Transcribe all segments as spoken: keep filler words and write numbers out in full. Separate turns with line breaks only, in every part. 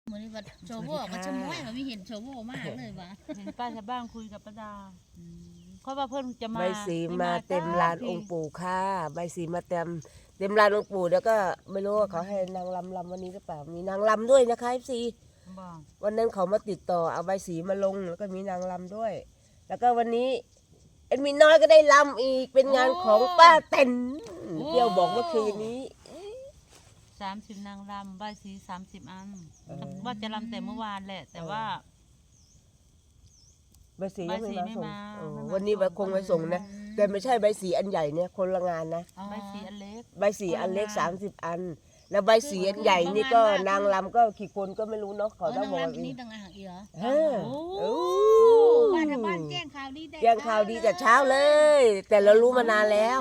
เหมือนว่าโชว์โว่มาชะม้อยมันไม่เห็นโชว์โว่มากเลยว่ะ
เห็นป้าชาวบ้านคุยกับป้าดาเพราะว่าเพิ่นจะมา
ใบสีมาเต็มลานองค์ปู่ค่ะใบสีมาเต็มเต็มลานองค์ปู่แล้วก็ไม่รู้ว่าเขาให้นางลำลำวันนี้หรือเปล่ามีนางลำด้วยนะคะเอฟซีวันนั้นเขามาติดต่อเอาใบสีมาลงแล้วก็มีนางลำด้วยแล้วก็วันนี้เอ็นมีน้อยก็ได้ลำอีกเป็นงานของป้าเต็นเดี๋ยวบอกเมื่อคืนนี้
สามสิบนางรำใบสีสามสิบอันว่าจะรำแต่เมื่อวานแหละแต่ว่า
ใบสียังไม่มาส่งวันนี้ใบคงไปส่งนะแต่ไม่ใช่ใบสีอันใหญ่เนี่ยคนละงานนะ
ใบสีอันเล็ก
ใบสีอันเล็กสามสิบอันแล้วใบสีอันใหญ่นี่ก็นางลำก็กี่คนก็ไม่รู้เนาะเขาต้องบอก
นี่ต่างหากอีกเหรอ
โอ้
บ้านบ้านแจ้งข่าวดี
แจ้งข่าวดีแต่เช้าเลยแต่เรารู้มานานแล้ว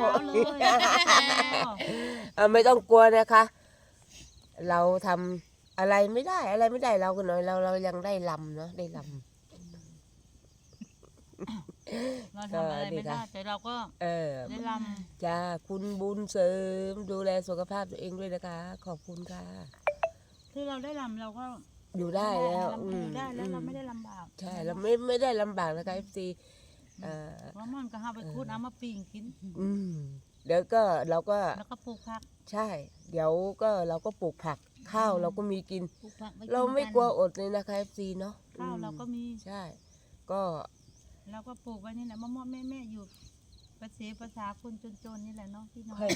ไม่ต้องกลัวนะคะเราทำอะไรไม่ได้อะไรไม่ได้เราก็หน่อยเราเรายังได้ลำเนาะได้ลำ
เราทำอะไรไม่ได้แต่เราก็ได้ล
ำจ้าคุณบุญเสริมดูแลสุขภาพตัวเองด้วยนะคะขอบคุณค่ะ
ที่เราได้ลำเราก็
อยู่ได้แล้ว
อยู่ได้แล้วเราไม่ได้ลำบาก
ใช่เราไม่ไม่ได้ลำบากนะคะเอฟซี
ว่ามันก็หาไปคูดเอามาปิ้งกิน
อืมเดี๋ยวก็เราก็
แล้วก็ปลูกผัก
ใช่เดี๋ยวก็เราก็ปลูกผักข้าวเราก็มีกินเราไม่กลัวอดเลยนะคะเอฟซีเนาะ
ข้าวเราก็มี
ใช่ก็
เราก็ปลูกไว้นี่แหละมะม่วงแม่ๆอยู่ภาษาภาษาคนจนๆนี่แหละเนาะพี่น้อง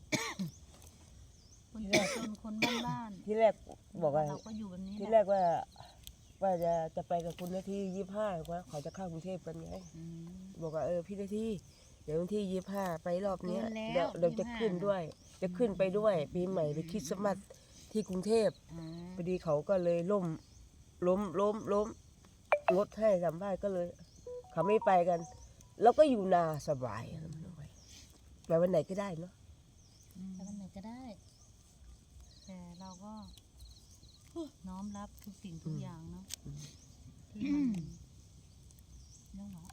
คนจนคนบ้าน
ๆที่แรกบอกว่า
เราก็อยู่แบบนี้
ที่แรกว่าว่าจะจะไปกับคุณนาทียี่สิบห้าว่าเขาจะเข้ากรุงเทพกันไงบอกว่าเออพี่นาทีเดี๋ยววันที่ยี่สิบห้าไปรอบนี้เดี๋ยวเราจะขึ้นด้วยจะขึ้นไปด้วยปีใหม่ไปคริสต์มาสที่กรุงเทพพอดีเขาก็เลยล้มล้มล้มล้มงดให้สัมภาษณ์ก็เลยเขาไม่ไปกันแล้วก็อยู่นาสบายไปวันไหนก็ได้เนาะ
ไปวันไหนก็ได้
แต่เราก็น้อมรับทุกสิ่งทุกอย่างเนาะที่มันเรื่องหรอ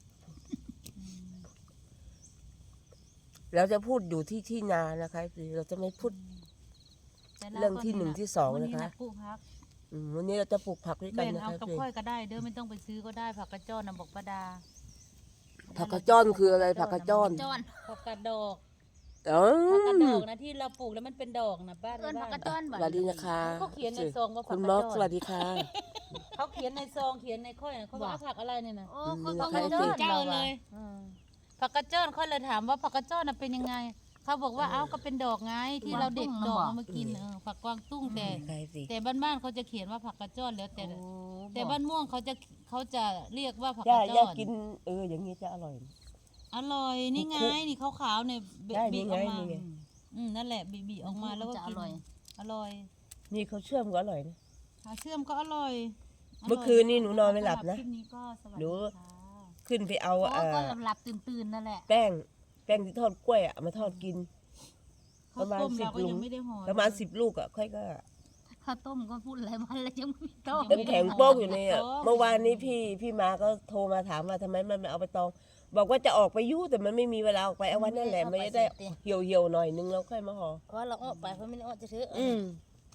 เราจะพูดอยู่ที่ที่นานะคะเราจะไม่พูดเรื่องที่หนึ่งที่สองนะคะ
ปลูกผัก
วันนี้เราจะปลูกผักด้วยกัน
นะคะเอากับค่อยก็ได้เด้อไม่ต้องไปซื้อก็ได้ผักกระจ้อนนะบอกป้าดา
ผักกระจ้อนคืออะไรผักกระจ้อน
ผักกระดอก
อ๋อ
ผักกระดอกนะที่เราปลูกแล้วมันเป็นดอกนะป้า
เอิ้นผักกระจ้อน
สวัสดีนะคะ
เขาเขียนในซองว่า
คุณม็อกสวัสดีค่ะ
เขาเขียนในซองเขียนในค่อยนะเขาว่าผักอะไรเนี่ยนะ
โอ้เขาผักกระจ้อน
เจ้าเลยผักกระจ้อนค่อยเลยถามว่าผักกระจ้อนเป็นยังไงเขาบอกว่าเอ้าก็เป็นดอกไงที่เราเด็ดดอกมากินเออผักกวางตุ้งแต่แต่บ้านๆเขาจะเขียนว่าผักกระจ้อนแล้วแต่แต่บ้านม่วงเขาจะเขาจะเรียกว่าผักกระจ้อน
อยากกินเอออย่างนี้จะอร่อย
อร่อยนี่ไงนี่ขาวๆเนี่ยบีบออกมาอืมนั่นแหละบีบออกมาแล้วก็อร่อยอร่อย
นี่เขาเชื่อมก็อร่อยนะ
เชื่อมก็อร่อย
เมื่อคืนนี่หนูนอนไม่หลับนะหนูขึ้นไปเอา
เออก็หลับตื่นๆนั่นแหละ
แป้งแป้งที่ทอดกล้วยอ่ะมาทอดกินประมาณสิบลูกประมาณสิบลูกอ่ะค่อยก็
ข้าวต้มก็พูดอะไรวันแล้วยังไม่ต้ม
เต็มแข็งโป๊กอยู่เนี่ยเมื่อวานนี้พี่พี่มาก็โทรมาถามว่าทำไมมันไม่เอาไปตองบอกว่าจะออกไปยุ่แต่มันไม่มีเวลาออกไปเอาวันนั่นแหละไม่ได้เหี่ยวเหี่ยวหน่อยนึงแล้วค่อยมาห่อ
เพราะเราออกไปเพราะไม่ได้ออกจะซื้อ
อืม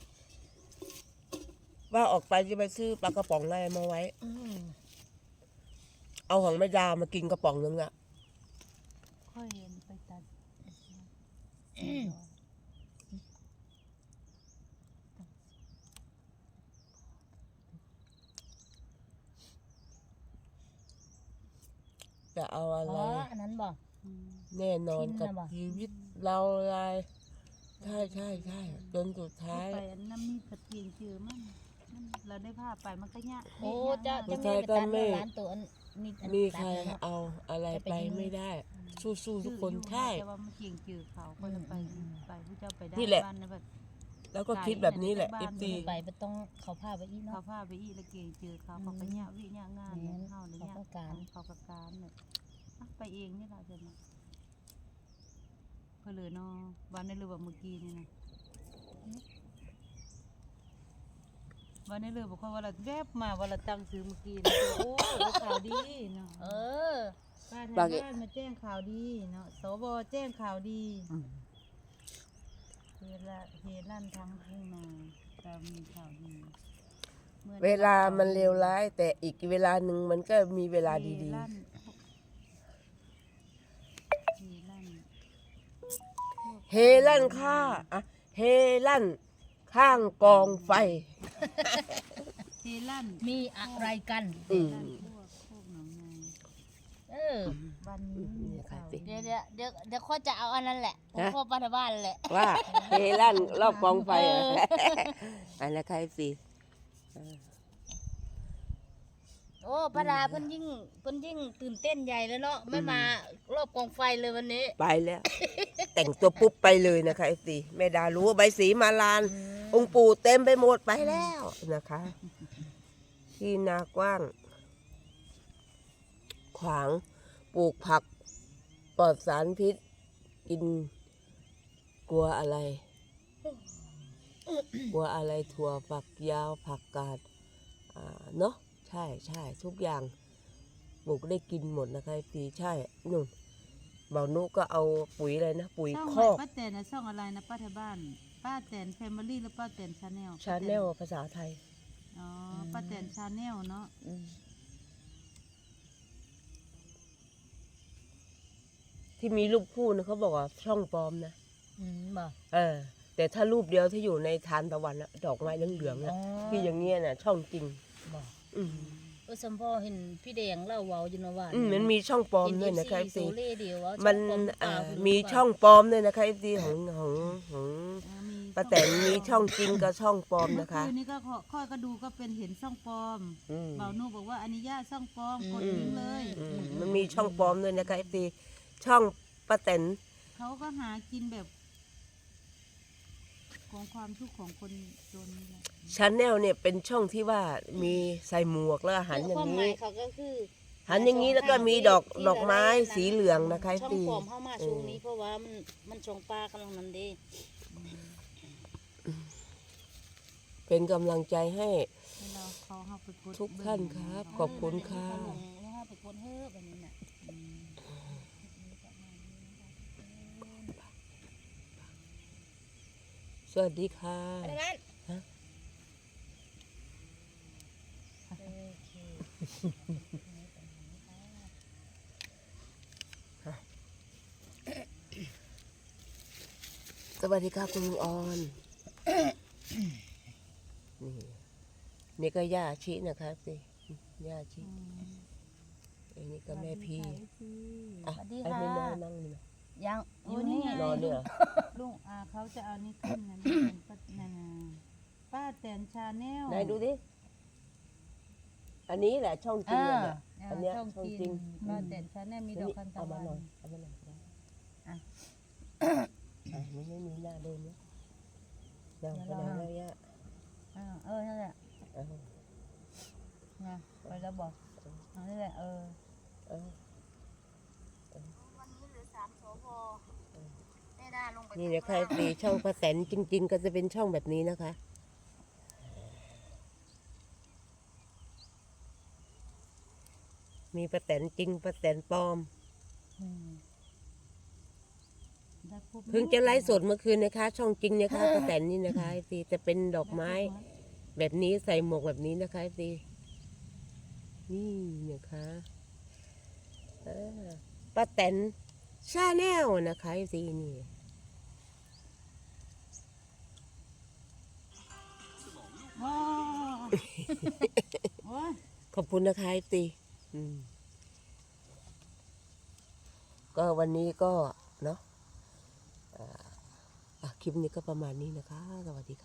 ว่าออกไปจะไปซื้อปลากระป๋องอะไรมาไว้เอาของแม่ดามากินกระป๋องนึงอ่ะ
ค่อยเห็นไปตัด
จะเอาอะไร
อันนั้นบอก
แน่นอนกับชีวิตเราอะไรใช่ใช่ใช่จนสุดท้าย
ไปน้ำมีผัดเกียงเจอมันเราได้ผ้าไปมันก็ยาก
โอ้จะจะไม่ไปตัดร้านตัว
มีใครเอาอะไรไปไม่ได้สู้ๆทุกคนใช่
แต่ว่ามันเกียงเจอเขาก็ไปไปผู้เจ้าไปได้บ้านนะแบบ
แล้วก็คิดแบบนี้แหละเอฟซี
ไปไม่ต้องเขาผ้าไปอีเนาะ
เขาผ้าไปอีแล้วเกียงเจอเขาเขาก็ยากวิยากงานเข้าเลยยากการเขาประการเนี่ยไปเองนี่แหละเดี๋ยวนะก็เลยเนาะวันนี้เลยว่าเมื่อกี้นี่นะวันนี้เลยบอกว่าเราแวบมาว่าเราตั้งซื้อเมื่อกี้นะโอ้ข่าวดีเนาะ
เออ
ป้าทางบ้านมาแจ้งข่าวดีเนาะสบแจ้งข่าวดีเฮละเฮลั่นทั้งทุ่งนาเรามีข่าวดีเมือน
เวลามันเลวร้าย แต่อีกเวลาหนึ่งมันก็มีเวลาดี
เฮลั่นเฮลั่น
ๆ เฮลั่นค่าอะเฮลั่นข้างกองไฟ
เฮลั่น
มีอะไรกัน
อืม
ลั่นพวกพวกหนองนาย
เออ
วันนี้มี
เนี่ยค่ะ
ข่าว
สิ
เดี๋ยวเดี๋ยวเดี๋ยวเดี๋ยวข้อจะเอาอันนั้นแหละ
ฮะ
ข้อปฏิบ้านแหละ
ว่าเฮลั่นรอบกองไฟเหรอ
เออ
อันละใครสิ
โอ้ปดาเพิ่นยิ่งเพิ่นยิ่งตื่นเต้นใหญ่แล้วเนาะไม่มารอบกองไฟเลยวันนี้
ไปแล้ว แต่งตัวปุ๊บไปเลยนะคะไอ้สิแม่ดารู้ว่าใบสีมาลาน องค์ปู่เต็มไปหมดไปแล้วนะคะ ที่นากว้าง ขวางปลูกผักปลอดสารพิษ กิน กลัวอะไร กลัวอะไรถั่วฝักยาวผักกาดอ่าเนาะใช่ใช่ทุกอย่างปลูกได้กินหมดนะคะปีใช่นุ่นเบานุก็เอาปุ๋ยอะไรนะ ปุ๋ย
ช่อง
ค
ใหม่
อก
ป้าแตนนะช่องอะไรนะป้าไทยบ้าน ป้าแตนแฟมิลี่หรือป้าแตนชาแนล
ชาแนลภาษาไทย
อ๋อป้าแตนชาแนลเนาะ
ที่มีรูปคู่นะเขาบอกว่าช่องปลอมนะ
อืมบ่
เออ แต่ถ้ารูปเดียวที่อยู่ในทานตะวันอะดอกไม้เหลืองๆอะที่อย่างเงี้ยน่ะ ช่องจริง
บ่
อืม
เออสมพ่อเห็นพี่แดงเล่าเว้าอยู่นะว่า
อืมมันมีช่องปลอม
เห็น
ด้วยนะคะ
เอฟ
ซี
ซีโซเล่เดียวว่า
มัน
ช่องปลอมหรือเป
อ่า
ล่าไรู้
มี
ว่า
ช่องปลอมด้วยนะคะซีของของของ
อ่ามี
ป้าแตนมีช่องจริงกับช่องปลอม
เมื่อ
นะคะ
คืนนี้ก็ขอค่อยก็ดูก็เป็นเห็นช่องปลอม
อืม
เบานูบอกว่าอันนี้ย่าช่องปลอมกดทิ้งเลย
อืมมันมีช่องปลอมด้วยนะคะซีช่องป้าแตน
เขาก็หากินแบบ ของความทุกข์ของคนจนนี่แหละ
ชาแนลเนี่ยเป็นช่องที่ว่ามีใส่หมวกแล้วอาหารอย่า
ความ
ง
หมา
นี้
ยเขาก็คือ
หันอย่างนี้แล้วก็มีดอก
ที่
ดอกไม้
ที่
สีเหลืองนะคะ
ช่อง
ตี
ปลอมเข้ามาช่วงนี้เพราะว่ามันมันช่องปลากำลังนั้นเด้
เป็นกำลังใจให้
ให้เราเขาเข้าไปกด
ทุกท่านครับ ขอบคุณค่ะ
เออแล้วให้ไปกดเฮ้อแบบนี้น่ะ
สวัสดีค่ะ
อะไรนั้น
ฮะ
โอเค
สวัสดีค่ะคุณลุงออนนี่นี่ก็ย่าชินะคะสิย่าชิอันนี้ก็แม่พี่อ่ะ
สวัสดี
ไอ้
ค่ะ
ไม่นอนนั่งนี่นะ
ยัง
โอ้
อยู่
นี่
นี่
ไง
นอนเนี่ยเหรอ
ลุงอาเขาจะเอานี่ขึ้นนะนี่เป็นป้านานาป้าแตนชาแนล
ไหนดูดิอันนี้แหละช่องจริงเลยเนี่ย
อ่า
อันเนี้ย
ช่อง
ช่อง
กิ
จริง
นป้าแตนชาแนลมีดอกคันตะ
เอา
วั
มาน หน่อยเอามาหน่อยนะอ่ะอ่ะมันไม่มีหน้าเดินเนี่ยเดี๋ยวไปไหนแล้วย่า
อ่าเออนั่นแหละ
เอา
นะไปแล้วบอกเอานี่แหละเออ
เอา
วันนี้เหลือสามสวแม่ด้าลงไป
นี่นะคะตีช่องป้าแตนจริง ๆ ก็จะเป็นช่องแบบนี้นะคะ มีป้าแตนจริงป้าแตนปลอม
อืมได้พบ
เพิ่งจะไลฟ์สดเมื่อคืนนะคะ ช่องจริงนะคะป้าแตนนี่นะคะไอซีจะเป็นดอกไม้แบบนี้ใส่หมวกแบบนี้นะคะไอซีนี่นะคะเออป้าแตนชาแนลนะคะไอซีนี่
ว้าว โอ้ย
ขอบคุณนะคะไอซีอืมก็วันนี้ก็เนาะอ่าอ่ะคลิปนี้ก็ประมาณนี้นะคะ สวัสดีค่ะ